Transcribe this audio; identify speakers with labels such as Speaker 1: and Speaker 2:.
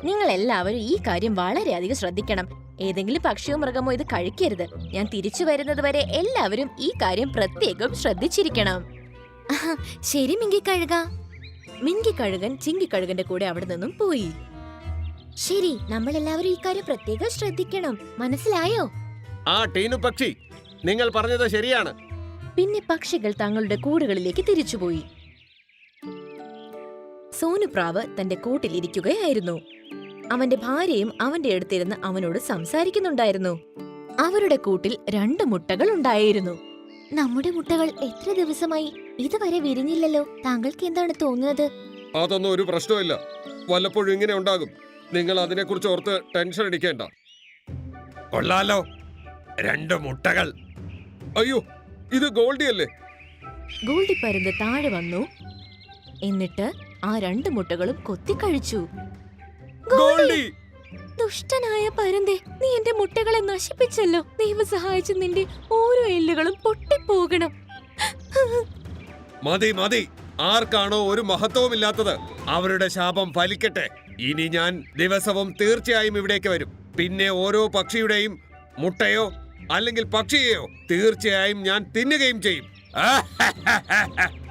Speaker 1: നിങ്ങൾ എല്ലാവരും ഈ കാര്യം വളരെയധികം ശ്രദ്ധിക്കണം. ഏതെങ്കിലും പക്ഷിയോ മൃഗമോ ഇത് കഴിക്കരുത്. ഞാൻ തിരിച്ചു വരുന്നത് വരെ എല്ലാവരും ഈ കാര്യം പ്രത്യേകം ശ്രദ്ധിച്ചിരിക്കണം. ശരി മിങ്കിക്കഴുക. മിങ്കിക്കഴുകൻ ചിങ്കിക്കഴുകന്റെ കൂടെ അവിടെ നിന്നും പോയി. ശരി, നമ്മൾ എല്ലാവരും ഈ കാര്യം പ്രത്യേകം ശ്രദ്ധിക്കണം. മനസ്സിലായോ?
Speaker 2: ആ ടീനു പക്ഷി, നിങ്ങൾ പറഞ്ഞത് ശരിയാണ്.
Speaker 1: പിന്നെ പക്ഷികൾ തങ്ങളുടെ കൂടുകളിലേക്ക് തിരിച്ചുപോയി. സോനുപ്രാവ് തന്റെ കൂട്ടിലിരിക്കുകയായിരുന്നു. അവന്റെ ഭാര്യയും അവന്റെ അടുത്തിരുന്ന് അവനോട് സംസാരിക്കുന്നുണ്ടായിരുന്നു. അവരുടെ കൂട്ടിൽ 2 മുട്ടകൾ ഉണ്ടായിരുന്നു. നമ്മുടെ മുട്ടകൾ എത്ര ദിവസമായി ഇതുവരെ വിരിഞ്ഞില്ലല്ലോ. താങ്കൾക്ക് എന്താണ് തോന്നുന്നത്?
Speaker 2: അതൊന്നും ഒരു പ്രശ്നമില്ല. വല്ലപ്പോഴും ഇങ്ങനെ ഉണ്ടാകും. നിങ്ങൾ അതിനെക്കുറിച്ച് ഓർത്ത് ടെൻഷൻ അടിക്കേണ്ട. കൊള്ളാലോ, 2 മുട്ടകൾ. അയ്യോ, ഇത് ഗോൾഡി അല്ലേ?
Speaker 1: ഗോൾഡി പരുന്ത് താഴെ വന്നു. എന്നിട്ട് ആ 2 മുട്ടകളും കൊത്തിക്കഴിച്ചു.
Speaker 2: ഗോൾഡി!
Speaker 1: ദുഷ്ടനായ പരുന്തേ, നീ എന്റെ മുട്ടകളെ നശിപ്പിച്ചല്ലോ. ദൈവം സഹായിച്ച് നിന്റെ ഓരോ എല്ലുകളും പൊട്ടിപ്പോകണം.
Speaker 2: മതി മതി. ആർക്കാണോ ഒരു മഹത്വവുമില്ലാത്തത് അവരുടെ ശാപം ഫലിക്കട്ടെ. ഇനി ഞാൻ ദിവസവും തീർച്ചയായും ഇവിടേക്ക് വരും. പിന്നെ ഓരോ പക്ഷിയുടെയും മുട്ടയോ അല്ലെങ്കിൽ പക്ഷിയെയോ തീർച്ചയായും ഞാൻ തിന്നുകയും ചെയ്യും.